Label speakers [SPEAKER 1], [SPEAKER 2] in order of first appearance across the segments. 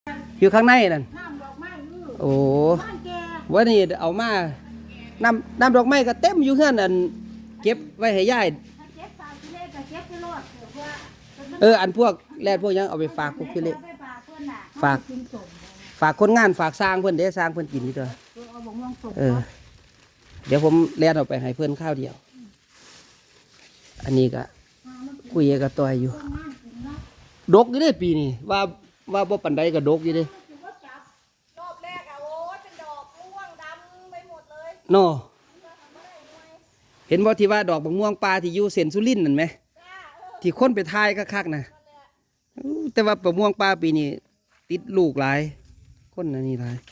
[SPEAKER 1] อยู่ข้างในนั่น
[SPEAKER 2] น้ำดอกไม้
[SPEAKER 1] โอ้
[SPEAKER 2] บ้านแก
[SPEAKER 1] วันนี้เอามาน้ำดอกไม้ก็เต็มอยู่เฮือนอันเก็บไว้ให้ยาย
[SPEAKER 2] ถ้าเก็บตามที่เลขก็เก็บที่รถเพื่อ
[SPEAKER 1] อันพวกแลดพวกยังเอาไปฝากพวกพี่เล็กฝาก
[SPEAKER 2] กินสม
[SPEAKER 1] ฝากคนงานฝากสร้างเพิ่นเด้สร้างเพิ่นกินนี่ตัว
[SPEAKER 2] เอาบ่งลงสม
[SPEAKER 1] เดี๋ยวผมแลดเอาไปให้เพิ่นข้าวเดียวอันนี้ก็คุยกับตัวอยู่ดกอยู่เด้ปีนี้ว่าบ่ปานใดก็ดกอยู่เด้
[SPEAKER 2] รอบแรกอะโอ้เป็นดอกม่วงดำไปหมดเลย
[SPEAKER 1] เนาะเห็นบ่ที่ว่าดอกบักม่วงปลาที่อยู่เส้นสุรินทร์นั่นไหมที่คนไปทายคักๆนะแต่ว่าบักม่วงปลาปีนี้ติดลูกหลายคนอันนี้หลาย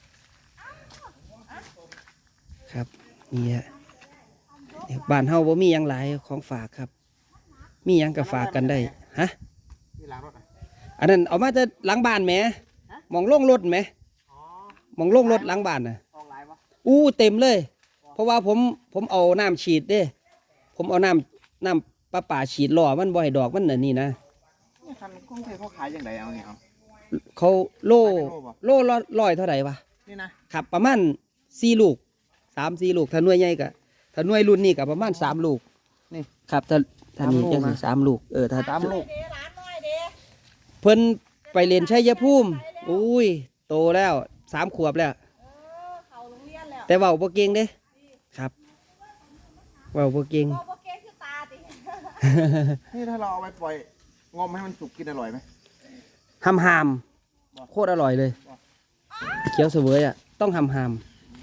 [SPEAKER 1] ครับนี่ฮะบ้านเฮาบ่มีหยังหลายของฝากครับมีหยังก็ฝากกันได้ฮะอันนั้นเอามาจะหลังบ้านแหมมองโล่งรถแหมมองโล่งรถหลังบ้านน่ะเต็มเลยเพราะว่าผมเอาน้ำฉีดเด้ผมเอาน้ำประปาฉีดล่อมันบ่ให้ดอกมันน่ะนี่นะ
[SPEAKER 3] คันกรุงเทพเขาขายยังไงเอาเนี่ย
[SPEAKER 1] เขาโลร้อยเท่าไหร่วะ
[SPEAKER 3] นี่นะครับ
[SPEAKER 1] ประมาณ4 ลูก3-4 ลูกถ้าหน่วยใหญ่ก็ถ้าหน่วยรุ่นนี้ก็ประมาณ3 ลูก
[SPEAKER 3] นี่
[SPEAKER 1] ครับถ้านี้จังสิ3 ลูกถ้า
[SPEAKER 3] 3 ลูก
[SPEAKER 1] เพิ่นไปเรียนชัยภูมิอุ้ยโตแล้ว3 ขวบแล้ว
[SPEAKER 2] เขาโรงเรียนแล้ว
[SPEAKER 1] แต่เว้าบ่เก่งเด้ครับเว้าบ่เก่ง
[SPEAKER 2] โอเคคือตาติ
[SPEAKER 3] นี่ถ้าเราเอาไปปล่อยงอมให้มันสุกกินอร่อยไหม
[SPEAKER 1] หำโคตรอร่อยเลยเคี้ยวเสวยอ่ะต้องหำ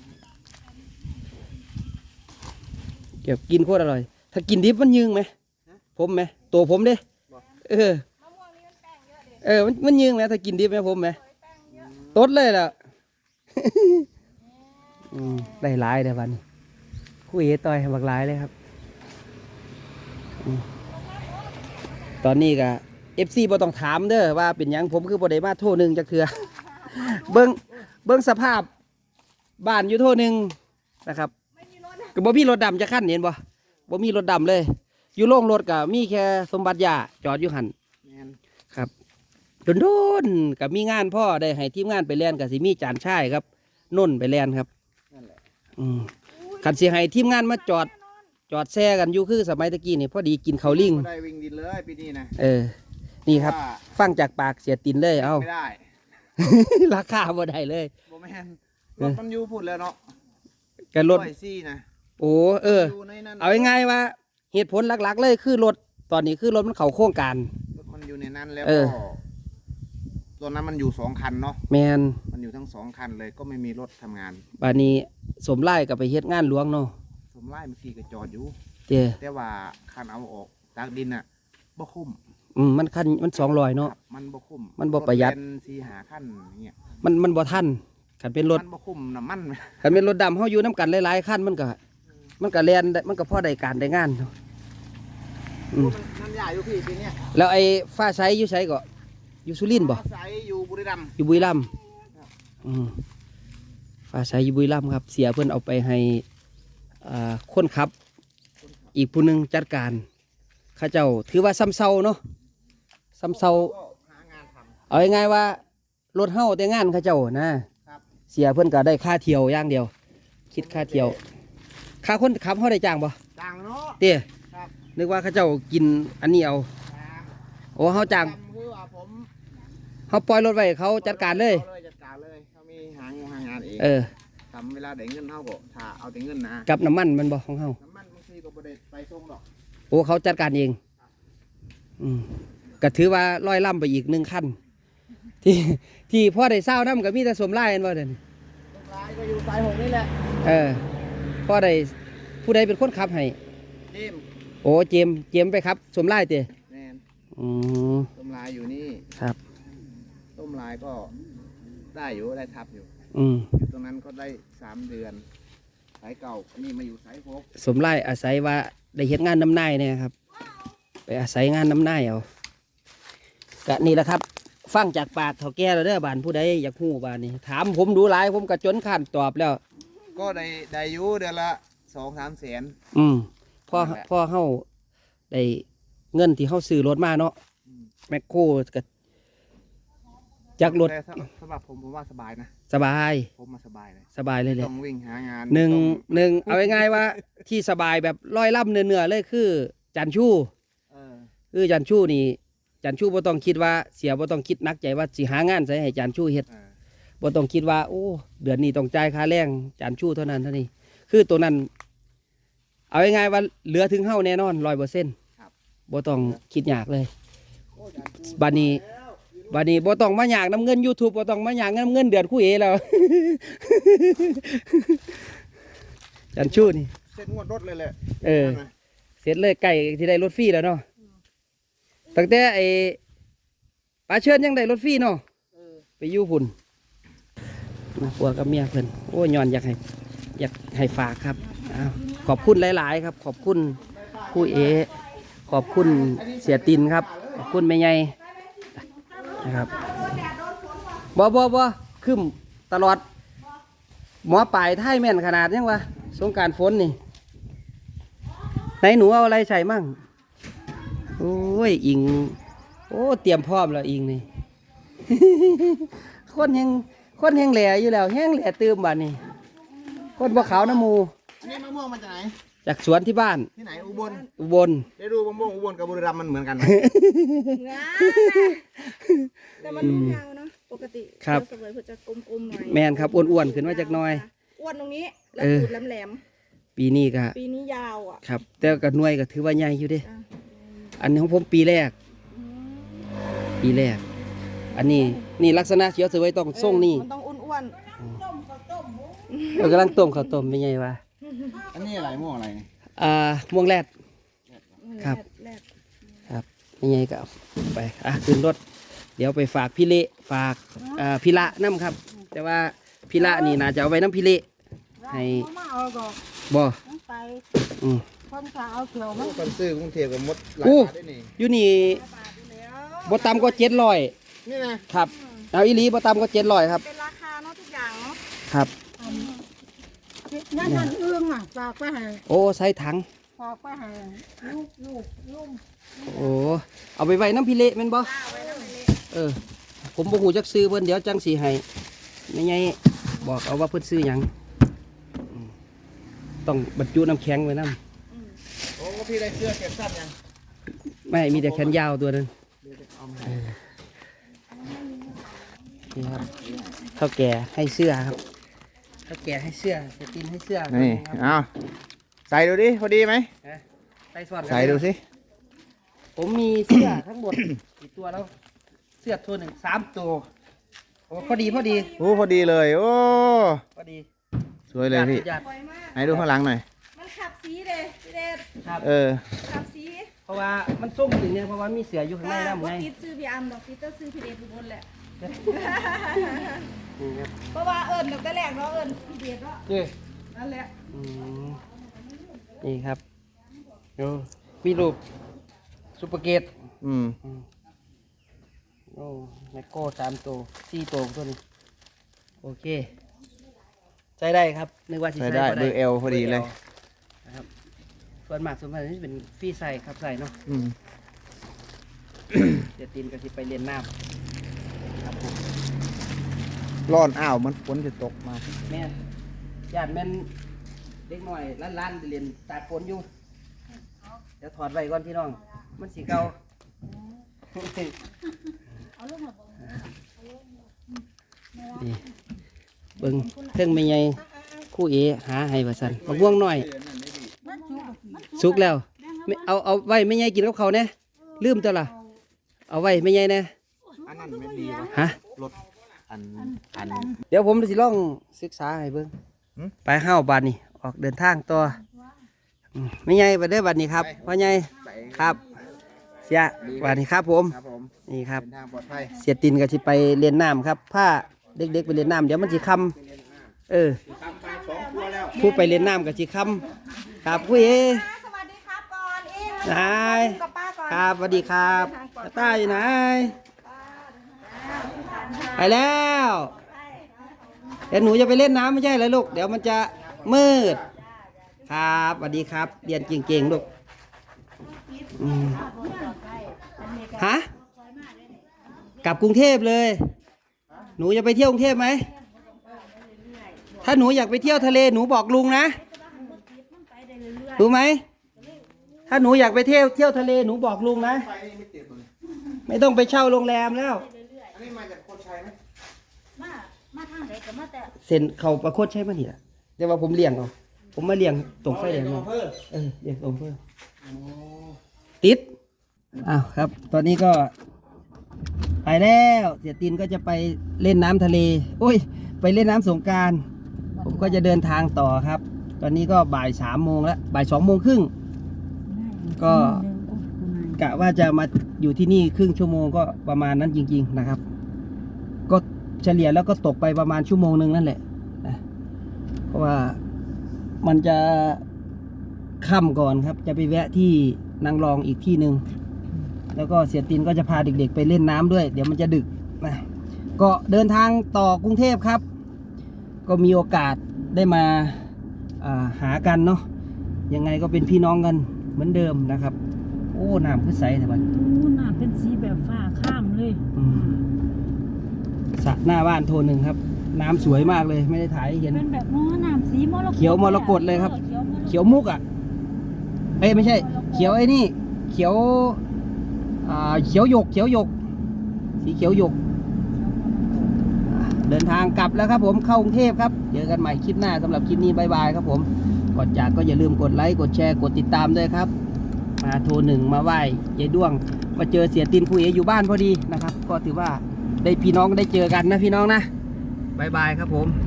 [SPEAKER 1] เก็บกินโคตรอร่อยถ้ากินดิบมันยืงไหมผมไหมตัวผมเด้มันยืงไหมถ้ากินดิบไหมผมไหมตดเลยล่ะได้หลายเดี๋ยววันนี้คุยต่อยบักหลายเลยครับตอนนี้ก็FC บ่ต้องถามเด้อว่าเป็นหยังผมคือบ่ได้มาโทรหนึ่งจักเทื่อเบิ่งสภาพบ้านอยู่โทรหนึ่งนะครับก็บ่มีรถดำจะขั้นเห็นบ่มีรถดำเลยอยู่โรงรถก็มีแค่สมบัติยาจอดอยู่หันครับโดนๆก็มีงานพ่อได้ให้ทีมงานไปเรียนก็สิมีจานชายครับน่นไปเรียนครับคันสิให้ทีมงานมาจอดแซ่กันอยู่คือสมัยตะกี้นี่พอดีกินข้าวลิง
[SPEAKER 3] ได้วิ่งดินเลยปีนี้นะ
[SPEAKER 1] นี่ครับฟังจากปากเสียตินเลย
[SPEAKER 3] ไม่ได้
[SPEAKER 1] ราคาบ่ได้เลย
[SPEAKER 3] บ่แม่นรถมันอยู่พูดแล้วเนาะ
[SPEAKER 1] กันรถ
[SPEAKER 3] ซี่นะ
[SPEAKER 1] เอาง่ายๆว่าเหตุผลหลักๆเลยคือรถตอนนี้คือรถมันเข้าโครงการ
[SPEAKER 3] รถมันอยู่ในนั้นแล้วก็ตัวนั้นมันอยู่2 คันเนาะ
[SPEAKER 1] แมน
[SPEAKER 3] มันอยู่ทั้ง2 คันเลยก็ไม่มีรถทำงาน
[SPEAKER 1] บัดนี้สมไล่กับไปเฮ็ดงานหลวงเนาะ
[SPEAKER 3] สมไล่เมื่อกี้ก็จอดอยู่แต่ว่าคันเอาออกจากดินอ่ะบ่คุ้ม
[SPEAKER 1] มันคันมัน200เนาะ
[SPEAKER 3] มันบ่คุ้ม
[SPEAKER 1] มันบ่ประหยัด
[SPEAKER 3] 4-5 คันอย่างเงี้ย
[SPEAKER 1] มันบ่ทันคันเป็นรถ
[SPEAKER 3] มันบ่คุ้มน้ำมัน
[SPEAKER 1] คันเป็นรถดำเฮาอยู่น้ำกันหลายๆคันมันก็แล่นมันก็พอได้การได้งานเนาะ
[SPEAKER 3] มันใหญ่อยู่พี่ปีนี้
[SPEAKER 1] แล้วไอ้ฟ้าใสอยู่ไสก็อยู่สุรินทร์บ่
[SPEAKER 3] ฟ้าใสอยู่บุรีรัมย์
[SPEAKER 1] อยู่บุรีรัมย์ฟ้าใสอยู่บุรีรัมย์ครับเสียเพิ่นเอาไปให้คนขับอีกผู้นึงจัดการข้าเจ้าถือว่าซ้ำเซาเนาะซ้ำเซาเอาง่ายๆว่ารถเฮาแต่งานข้าเจ้านะเสียเพิ่นก็ได้ค่าเที่ยวอย่างเดียวคิดค่าเที่ยวค่าคนขับเฮาได้จ้างบ่
[SPEAKER 3] จ้างเนาะ
[SPEAKER 1] เต้นึกว่าข้าเจ้ากินอันนี้เอาโอ้เฮาจ้างเฮาปล่อยรถไว้เขาจัดการเลย
[SPEAKER 3] เขามีหางานเองทำเวลาได้เงินเฮาก็ถ้าเอาแต่เงินนะ
[SPEAKER 1] กับน้ำมันมันบ่ของเฮา
[SPEAKER 3] น้ำมันบางทีก็บ่ได้ไปส่งหรอก
[SPEAKER 1] โอ้เขาจัดการเองก็ถือว่าร้อยล่ำไปอีก1 คันที่พ่อได้เศร้าน้ำก็มีแต่สมไล่กันบ่เด่น
[SPEAKER 3] สมไล่ก็อยู่สาย6นี่แหละ
[SPEAKER 1] พ่อได้ผู้ใดเป็นคนขับให้
[SPEAKER 3] เจม
[SPEAKER 1] โอ้เจมไปครับสมไล่เต้
[SPEAKER 3] แม่นสมไล่อยู่นี่
[SPEAKER 1] ครับ
[SPEAKER 3] สมไล่ก็ได้อยู่ได้ทับอยู่ตรงนั้นก็ได้3 เดือนสายเก่านี่มาอยู่สาย6
[SPEAKER 1] สมไล่อาศัยว่าได้เฮ็ดงานน้ำนายเนี่ยครับไปอาศัยงานน้ำนายเอาก็นี่แหละครับฟังจากปากเฒ่าแก่แล้วเด้อบ้านผู้ใดอยากฮู้บ้านนี้ถามผมดูหลายผมก็จนข้านตอบแล้ว
[SPEAKER 3] ก็ได้อยู่เดือนละ2-3 แสน
[SPEAKER 1] พ่อเฮาได้เงินที่เฮาซื้อรถมาเนาะแมคโครก็จากรถ
[SPEAKER 3] แต่สำหรับผมว่าสบายนะ
[SPEAKER 1] สบาย
[SPEAKER 3] ผมมาสบายเลย
[SPEAKER 1] สบายเลยแหละ
[SPEAKER 3] ต้องวิ่งหางาน
[SPEAKER 1] หนึ่ง
[SPEAKER 3] ต้อง
[SPEAKER 1] หนึ่งเอาง่ายๆว่าที่สบายแบบร้อยล่ำเนื้อๆเลยคือจันชู่
[SPEAKER 3] เออ
[SPEAKER 1] คือจันชู่นี่จันชู่บ่ต้องคิดว่าเสียบ่ต้องคิดหนักใจว่าสิหางานใส่ให้จันชู่เฮ็ด
[SPEAKER 3] เออ
[SPEAKER 1] บ่ต้องคิดว่าโอ้เดือนนี้ต้องจ่ายค่าแรงจันชู่เท่านั้นเท่านี้คือตัวนั้น เอาง่ายๆว่าเหลือถึงเฮาแน่นอน100%บ่ต้องคิดยากเลยบัดนี้บ่ต้องมาอยากน้ำเงิน YouTube บ่ต้องมาอยากน้ำเงินเดือนคู่เอแล้ว จันชู่นี่
[SPEAKER 3] เส้นงวดรถเลยแหละ
[SPEAKER 1] เออ เสร็จเลยไก่ที่ได้รถฟรีแล้วเนาะตั้งแต่ไอ้ปลาเชิญยังได้รถฟรีเนาะไปอยู่พุ่นนะผัวกับเมียเพิ่นโอ้ยย้อนอยากให้ฝากครับอ้าวขอบคุณหลายๆครับ ขอบคุณผู้เอ ขอบคุณเสียตินครับ ขอบคุณแม่ใหญ่นะครับบ่ขึ้นตลอด หมอปลายไทยแม่นขนาดยังวะสงกรานต์ฝนนี่ไหนหนูเอาอะไรใส่มั่งโอ้ยอิงโอ้เตรียมพร้อมแล้วอิงนี่ คนแห้งแหล่อยู่แล้วแห้งแหล่ตื่มบ้านนี่คนบ่ขาวน้ำมู
[SPEAKER 3] อันนี้มะม่วงมาจากไหน
[SPEAKER 1] จากสวนที่บ้าน
[SPEAKER 3] ที่ไหนอุบล
[SPEAKER 1] อุบล
[SPEAKER 3] ได้ดูมะม่วงอุบลกับบุรีรัมย์มันเหมือนกันไหม
[SPEAKER 2] งาแต่มันลูกยาวเนาะปกติ
[SPEAKER 1] ครับ
[SPEAKER 2] เสวยเพื่อจะกลมๆหน่อย
[SPEAKER 1] แม่นครับอ้วนๆขึ้นมาจากหน้อย
[SPEAKER 2] อ้วนตรงนี้แล้ว
[SPEAKER 1] เออ
[SPEAKER 2] ตูดแหลม
[SPEAKER 1] ปีนี้ก็
[SPEAKER 2] ๆปีนี้ยาวอ่ะ
[SPEAKER 1] ครับ แต่ก็หน่วยก็ถือว่าใหญ่อยู่เด้
[SPEAKER 2] จ้ะ
[SPEAKER 1] อันนี้ของผมปีแรก ปีแรก อันนี้นี่ลักษณะเขียวสวยต้องทรงนี่
[SPEAKER 2] มันต้องอ้วน
[SPEAKER 1] เรากำลังต้มข้าวต้มเป็นไงวะ
[SPEAKER 3] อันนี้อะไรม่วงอะไร
[SPEAKER 1] ม่วงแรด
[SPEAKER 2] ๆ
[SPEAKER 1] ครับ
[SPEAKER 2] แรก
[SPEAKER 1] ครับเป็นไงก็เอาไปขึ้นรถ เดี๋ยวไปฝากพี่เละฝากพี่ละน้ำครับ แต่ว่าพี่ละนี่น่าจะเอาไว้น้ำพี่เละให้
[SPEAKER 4] มาเอาดอก
[SPEAKER 1] บ่
[SPEAKER 4] มันไป
[SPEAKER 1] อืม
[SPEAKER 4] คนจะเอาเขียวมัน
[SPEAKER 3] คนซื้อกรุงเทพกับมดหลาย
[SPEAKER 1] อู้
[SPEAKER 3] บาทได้นี่
[SPEAKER 1] อยู่นี่
[SPEAKER 2] ๆแล้ว
[SPEAKER 1] บ่ต่ำกว่า700
[SPEAKER 3] นี่นะครับ
[SPEAKER 1] เอาอีหลีบ่ต่ำกว่า700ครับ
[SPEAKER 2] เป็นราคาเนาะทุกอย่างเนาะ
[SPEAKER 1] ครับ
[SPEAKER 4] นั่นเอื้องอ่ะฝากไปให้
[SPEAKER 1] โอ้ใส่ถัง
[SPEAKER 4] ฝากไปให้ลูก
[SPEAKER 1] โอ้เอาไปไว้น้ำพี่เละแม่นบ่ผมบ่ฮู้จักซื้อเพิ่นเดี๋ยวจังสิให้ไม่ไงบอกเอาว่าเพิ่นซื้อหยังอืมต้องบรรจุน้ำแข็งไว้นำ
[SPEAKER 3] โอ้พี่ได้เสื้อเก็บสั้นยัง
[SPEAKER 1] ไม่มีแต่แขนยาวตัวหนึงนี่ครับเท่าแก่ให้เสื้อครับเท่าแก่ให้เสื้อเสตินให้เสื้อ
[SPEAKER 3] นี่
[SPEAKER 1] ครับ
[SPEAKER 3] เอาใส่ดูดิพอดีไหม
[SPEAKER 1] ใส่ซ้อนกัน
[SPEAKER 3] ใส่ดูสิ
[SPEAKER 1] ผมมีเสื้อทั้งหมดกี่ตัวแล้ว เสื้อตัวหนึ่ง3 ตัวโอ้พอดี
[SPEAKER 3] โอ้พอดีเลยโอ้
[SPEAKER 1] พอดี
[SPEAKER 3] สวยเลยพี่
[SPEAKER 1] ญาติ
[SPEAKER 2] สวยมาก
[SPEAKER 3] ไหนดูข้างหลังหน่อย
[SPEAKER 2] มันขับสีเลยพี่เดช
[SPEAKER 1] ครับ
[SPEAKER 3] เออ
[SPEAKER 2] ขับสี
[SPEAKER 1] เพราะว่ามันส้มถึงเนี่ยเพราะว่ามีเสืออยู่ข้างในน้ำ
[SPEAKER 2] ว่า
[SPEAKER 1] ไง
[SPEAKER 2] ติดซื้อพี่อัมดอกติดต้องซื้อพี่เดชทุกคนแหละ
[SPEAKER 1] นี่ครับ
[SPEAKER 2] เพราะว่าเอิญดอกแต่แรกเนาะเอิญพี่เดชเนาะ
[SPEAKER 1] นี่
[SPEAKER 2] นั่นแหละ
[SPEAKER 1] อืมนี่ครับโอ้มีรูปซุปเปอร์เกต
[SPEAKER 3] อืม
[SPEAKER 1] โอ้แมกโก้3 ตัว4 ตัวตัวนี้โอเคใช้ได้ครับนึกว่าสิ
[SPEAKER 3] ใส่
[SPEAKER 1] ใช้
[SPEAKER 3] ได้
[SPEAKER 1] บ่
[SPEAKER 3] เบอร์เอลพอดีเลย
[SPEAKER 1] นะครับส่วนมากนี่เป็นฟรีใส่ครับใส่เนาะ
[SPEAKER 3] อืม
[SPEAKER 1] เดี๋ยวตีนก็สิไปเรียนน้ำครับผม
[SPEAKER 3] ร้อนอ้าวมันฝนจะตกมา
[SPEAKER 1] แม่ญาติแม่นเด็กหน่อยล้านเรียนตากฝนอยู่เดี๋ยวถอดไว้ก่อนพี่น้อง มันสีเก่านี่เบิ่งเทิงไม่ใหญ่คู่เอหาให้ว่าซั่นมะม่วงหน่อยสุกแล้วไม่เอาไว้ไม่ใหญ่กินกับเขาวเนี่ยลืมตัวล่ะเอาไว้ไม่ใหญ่แน่
[SPEAKER 3] อันนั้นไม่ดีวะ
[SPEAKER 1] ฮะ
[SPEAKER 3] รถอัน
[SPEAKER 1] เดี๋ยวผมสิลองศึกษาให้เบิ่ง
[SPEAKER 3] หืม
[SPEAKER 1] ไปห้าวบัดนี้ออกเดินทางต่อไม่ใหญ่ไปเด้อบัดนี้ครับพ่อใหญ่ครับ เสียบัดนี้ครับผม
[SPEAKER 3] ครับผม
[SPEAKER 1] นี่ครับ
[SPEAKER 3] เดินทางปลอดภัย
[SPEAKER 1] เสียตินก็สิไปเรียนน้ำครับผ้าเด็กๆไปเรียนน้ำเดี๋ยวมันสิคำผู้ไปเรียนน้ำก็สิคำครับผู้เอ
[SPEAKER 2] สวัสดีครับก่อนอิง
[SPEAKER 1] นาย
[SPEAKER 2] กับป้าก่อน
[SPEAKER 1] ครับสวัสดีครับตาอยู่ไหนไปแล้วเดี๋ยวหนูจะไปเล่นน้ำไม่ใช่เลยลูกเดี๋ยวมันจะมืดครับสวัสดีครับเรียนเก่งๆลูกอืมฮะกลับกรุงเทพเลยหนูจะไปเที่ยวกรุงเทพไหมถ้าหนูอยากไปเที่ยวทะเลหนูบอกลุงนะรู้ไหมถ้าหนูอยากไปเที่ยวทะเลหนูบอกลุงนะ
[SPEAKER 3] ไปนี่ไม่ติดเลย
[SPEAKER 1] ไม่ต้องไปเช่าโรงแรมแล้ว
[SPEAKER 3] อันนี้มาจากโคชัยไหม
[SPEAKER 2] มาทางไหนก็มาแต่
[SPEAKER 1] เซ็นเขาประโคตรใช่ไหมนี่ล่ะแต่ว่าผมเลี้ยงเอาผมมาเลี้ยงตรงไฟแดงมาเลี้ยงตรงเพื่อติดอ้าวครับ ตอนนี้ก็ไปแล้วเสียตินก็จะไปเล่นน้ำทะเลโอ้ย ไปเล่นน้ำสงกรานต์ผมก็จะเดินทางต่อครับ ตอนนี้ก็บ่าย3 โมงแล้วบ่าย 2 โมงครึ่งก็กะว่าจะมาอยู่ที่นี่ครึ่งชั่วโมงก็ประมาณนั้นจริงๆนะครับ ก็เฉลี่ยแล้วก็ตกไปประมาณชั่วโมงนึงนั่นแหละนะเพราะว่ามันจะค่ำก่อนครับ จะไปแวะที่นางรองอีกที่หนึ่งแล้วก็เสียตินก็จะพาเด็กๆไปเล่นน้ำด้วย เดี๋ยวมันจะดึกนะก็เดินทางต่อกรุงเทพครับ ก็มีโอกาสได้มาหากันเนาะยังไงก็เป็นพี่น้องกันเหมือนเดิมนะครับ โอ้น้ำคือใสแต่บัด
[SPEAKER 4] อู้น่ะเป็นสีแบบฟ้าข้ามเลย
[SPEAKER 1] สระหน้าบ้านโทนหนึ่งครับ น้ำสวยมากเลยไม่ได้ถ่ายให้เห็น
[SPEAKER 4] เป็นแบบน้ำสีมรกต
[SPEAKER 1] เขียวมรกตเลยครับ เขียวมุกอ่ะเอ้ยไม่ใช่ เขียวไอ้นี่ เขียวเขียวหยกสีเขียวหยกเดินทางกลับแล้วครับผมเข้ากรุงเทพครับเจอกันใหม่คลิปหน้าสำหรับคลิปนี้บายบายครับผมก่อนจากก็อย่าลืมกดไลค์กดแชร์กดติดตามด้วยครับมาโทรหนึ่งมาไหว้ยายด้วงมาเจอเสียตินคุยอยู่บ้านพอดีนะครับ ก็ถือว่าได้พี่น้องได้เจอกันนะพี่น้องนะบายบายครับผม